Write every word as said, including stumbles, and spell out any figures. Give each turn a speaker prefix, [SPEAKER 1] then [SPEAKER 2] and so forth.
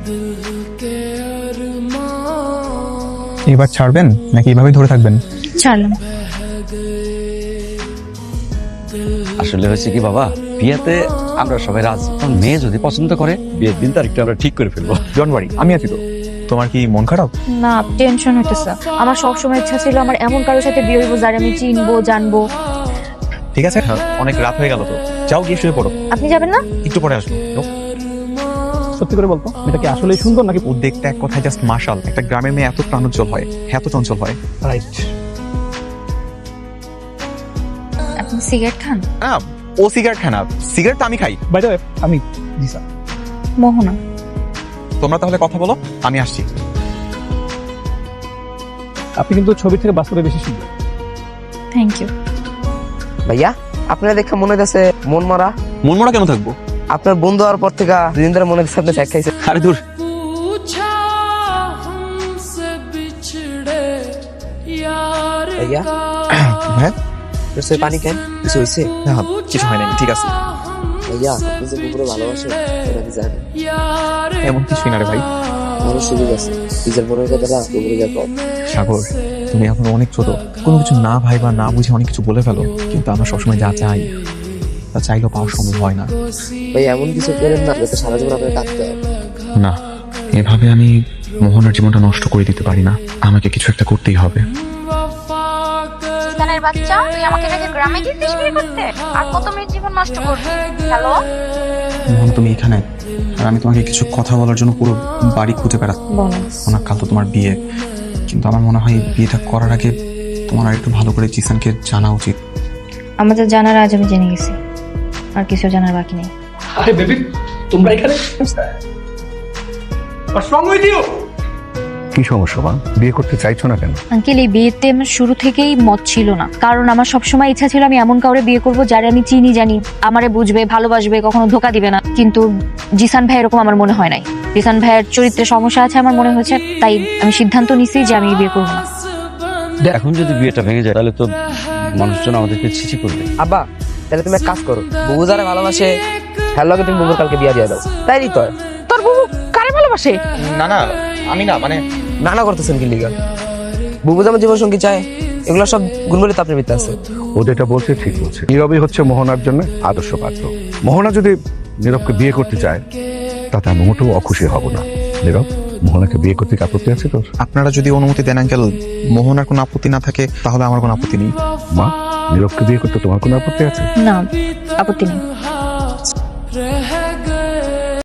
[SPEAKER 1] এবার ছাড়বেন নাকি এভাবেই ধরে থাকবেন?
[SPEAKER 2] ছাড়লাম।
[SPEAKER 3] আসলে হয়েছে কি বাবা, বিয়েতে আমরা সবাই রাজি। মেয়ে যদি পছন্দ করে বিয়ের দিন তারিখটা আমরা ঠিক করে ফেলবো।
[SPEAKER 1] ডোন্ট ওয়ারি, আমি আছি তো। তোমার কি মন খারাপ?
[SPEAKER 2] না, টেনশন হইতেছে। আমার সবসময় ইচ্ছা ছিল আমার এমন কারোর সাথে বিয়ে হইব যার আমি চিনবো জানবো।
[SPEAKER 1] ঠিক আছে, অনেক রাত হয়ে গেল তো, যাও গিয়ে শুয়ে পড়ো।
[SPEAKER 2] আপনি যাবেন না?
[SPEAKER 1] একটু পরে আসবো।
[SPEAKER 4] সত্যি করে বলতো, এটা কি আসলেই সুন্দর নাকি?
[SPEAKER 1] ও দেখতে এক কথায় জাস্ট মাশাল। একটা গ্রামের মেয়ে এত প্রাণোজ্জ্বল হয়, এত চঞ্চল হয়।
[SPEAKER 4] রাইট।
[SPEAKER 2] আপনি সিগারেট খান?
[SPEAKER 1] না, ও সিগারেট খায় না, সিগারেট তো আমি খাই।
[SPEAKER 4] বাই দ্য ওয়ে, আমি জি স্যার।
[SPEAKER 2] মোহনা।
[SPEAKER 1] তোমরা তাহলে কথা বলো, আমি আসছি।
[SPEAKER 4] আপনি কিন্তু ছবি থেকে বাস্তবে বেশি সুন্দর।
[SPEAKER 2] Thank you.
[SPEAKER 5] ভাইয়া আপনারা দেখে মনে হচ্ছে মন মারা।
[SPEAKER 1] মন মরা কেন থাকবো?
[SPEAKER 5] আপনার বন্ধু হওয়ার পর থেকে দুদিন ধরে মনে হচ্ছে আপনি শেখ খাইছে।
[SPEAKER 1] আরে দূর।
[SPEAKER 5] ভাইয়া
[SPEAKER 1] হ্যাঁ,
[SPEAKER 5] তোর সে পানি কেন? কিছু হয়েছে?
[SPEAKER 1] না কিছু হয় নাই, ঠিক আছে।
[SPEAKER 5] ভাইয়া আপনি যে কুকুরে ভালোবাসেন এটা কি জানেন?
[SPEAKER 1] এমন কিছুই না রে ভাই।
[SPEAKER 5] মানুষ সুযোগ আছে, নিজের মনের কথাটা কুকুরে যা কম।
[SPEAKER 1] সাগর, তুমি এখন অনেক ছোট, কোনো কিছু না ভাই বা না বুঝে অনেক কিছু বলে ফেলো। কিন্তু আমরা সবসময় যা চাই তা চাইলেও পাওয়া সম্ভব হয় না।
[SPEAKER 5] ভাই এমন কিছু করেন না যাতে সারা জীবন আপনার কাঁদতে হয়।
[SPEAKER 1] না, এভাবে আমি মোহনের জীবনটা নষ্ট করে দিতে পারি না। আমাকে কিছু একটা করতেই হবে।
[SPEAKER 2] জিসানের বাচ্চা, তুই আমাকে রেখে গ্রামে গিয়েছিস বিয়ে করতে? আর কত মেয়ের জীবন নষ্ট করবি? হ্যালো
[SPEAKER 1] মোহন, তুমি এখানে, আর আমি তোমাকে কিছু কথা বলার জন্য পুরো বাড়ি খুঁজে বেড়াচ্ছি।
[SPEAKER 2] বলো।
[SPEAKER 1] ওনার কাল তো তোমার বিয়ে, কিন্তু আমার মনে হয় বিয়েটা করার আগে তোমার আর একটু ভালো করে জিসানকে জানা উচিত।
[SPEAKER 2] আমাদের জানার আজ আমি জেনে গেছি, আর কিছু জানার বাকি নেই।
[SPEAKER 4] আরে বেবি, তোমরা এখানে? What's wrong with you?
[SPEAKER 6] কি সমস্যা মা, বিয়ে করতে চাইছো না কেন?
[SPEAKER 2] আঙ্কেল, এই বিয়েতে আমার শুরু থেকেই মত ছিল না, কারণ আমার সবসময় ইচ্ছা ছিল আমি এমন কাউরে বিয়ে করব যারে আমি চিনি জানি, আমারে বুঝবে, ভালোবাসবে, কখনো ধোকা দিবে না। কিন্তু জিসান ভাই এরকম আমার মনে হয় নাই। জিসান ভাইয়ের চরিত্রে সমস্যা আছে আমার মনে হয়েছে, তাই আমি সিদ্ধান্ত নিছি যে আমি বিয়ে করবো না।
[SPEAKER 3] এখন যদি বিয়েটা ভেঙে যায় তাহলে তো মানুষজন আমাদেরকে ছিছি করবে।
[SPEAKER 5] আব্বা তাহলে তুমি এক কাজ করো, বুবু যারা ভালোবাসে হ্যালো তুমি বুবুর কালকে বিয়া দিয়ে দাও। তাই তো
[SPEAKER 2] তোর বুবু কারে ভালোবাসে?
[SPEAKER 1] না না, আমি না, মানে
[SPEAKER 5] না না করতেছেন কি লিগা? বুবু যেমন জীবন সঙ্গী চায়, এগুলো সব গুণবলি তো আপনার ভিতরে আছে।
[SPEAKER 6] ও যেটা বলছে ঠিক বলছে। নীরবই হচ্ছে মোহনার জন্য আদর্শ পাত্র। মোহনা যদি নীরবকে বিয়ে করতে চায় তাতে আমি মোটেও অখুশি হব না। নীরব, মোহনাকে বিয়ে করতে কি আপত্তি আছে তোর?
[SPEAKER 1] আপনারা যদি অনুমতি দেন আঙ্কেল, মোহনার কোনো আপত্তি না থাকে তাহলে আমার কোনো আপত্তি নেই।
[SPEAKER 6] মা, নীরবকে বিয়ে করতে তোমার কোনো আপত্তি আছে?
[SPEAKER 2] না, আপত্তি নেই।